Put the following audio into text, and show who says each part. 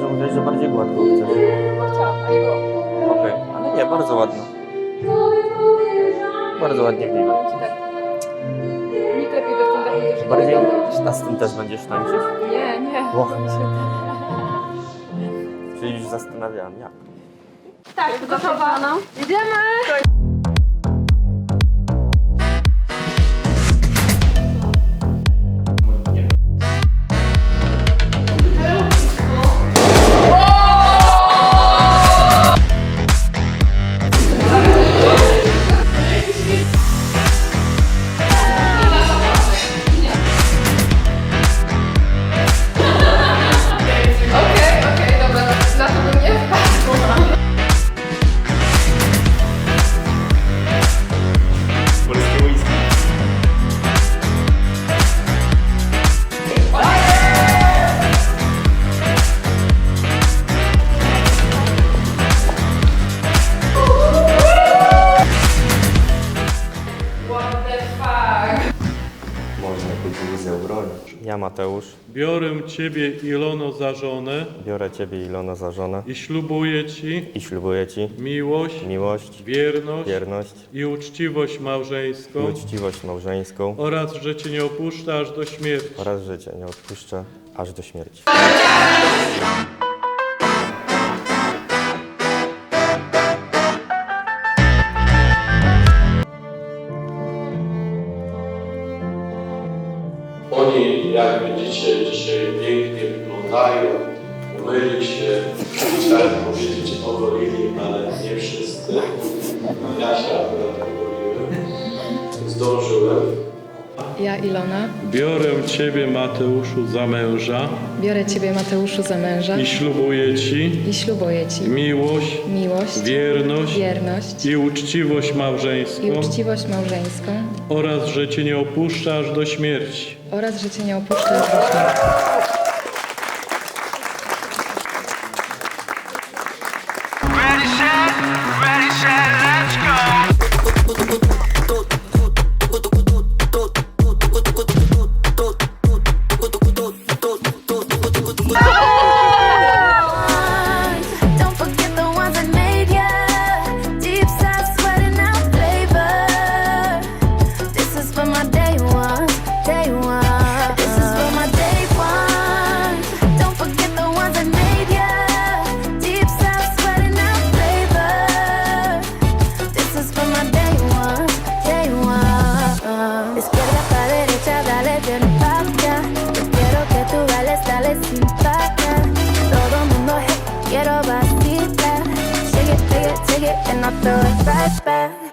Speaker 1: że mówiłaś, że bardziej gładko chcesz.
Speaker 2: No chciałam, a nie było.
Speaker 1: Okej, ale nie, bardzo ładno. Bardzo ładnie wygląda.
Speaker 2: Powiem ci tak. Nikt lepiej we stand-upie też nie
Speaker 1: Bardziej
Speaker 2: wygląda.
Speaker 1: a z tym też będziesz tańczyć?
Speaker 2: Nie.
Speaker 1: Ło. Czyli już zastanawiałam, jak.
Speaker 2: Tak, gotowa. Jedziemy! Okej, dobra, na to bym nie wpadła.
Speaker 1: Polskie whisky.
Speaker 2: What the fuck?
Speaker 1: Można kukurydzę ubronić. Ja, Mateusz,
Speaker 3: Biorę Ciebie, Ilono, za żonę
Speaker 1: biorę Ciebie, Ilona, za żonę
Speaker 3: i ślubuję Ci
Speaker 1: i ślubuję Ci
Speaker 3: miłość,
Speaker 1: miłość,
Speaker 3: wierność i uczciwość
Speaker 1: i
Speaker 3: małżeńską
Speaker 1: uczciwość małżeńską
Speaker 3: oraz, że Cię nie opuszczę aż do śmierci.
Speaker 1: oraz że Cię nie odpuszczę aż do śmierci.
Speaker 3: Oni, jak widzicie, dzisiaj pięknie wyglądają, umyli się, chciałem powiedzieć ogolili, ale nie wszyscy. Ja się akurat ogoliłem, zdążyłem.
Speaker 4: Ja, Ilona,
Speaker 3: Biorę Ciebie, Mateuszu, za męża
Speaker 4: biorę Ciebie, Mateuszu, za męża
Speaker 3: i ślubuję Ci
Speaker 4: i ślubuję Ci
Speaker 3: miłość,
Speaker 4: miłość, wierność
Speaker 3: i uczciwość
Speaker 4: i
Speaker 3: małżeńską
Speaker 4: uczciwość małżeńską
Speaker 3: oraz, że Cię nie opuszczę aż do śmierci.
Speaker 4: oraz, że Cię nie opuszczę aż do śmierci.
Speaker 5: Ready, set, let's go.
Speaker 6: Don't forget the ones that made ya. Deep side sweating out flavor. This is for my day one, day one. This is for my day one. Don't forget the ones that made ya. Deep side sweating out flavor. This is for my day one, day one. Izquierda pa' derecha, dale bien pa' acá. Yo quiero que tú bailes, dale sin parar. Todo mundo, hey, quiero vacilar. Shake it, and I'll throw it right back.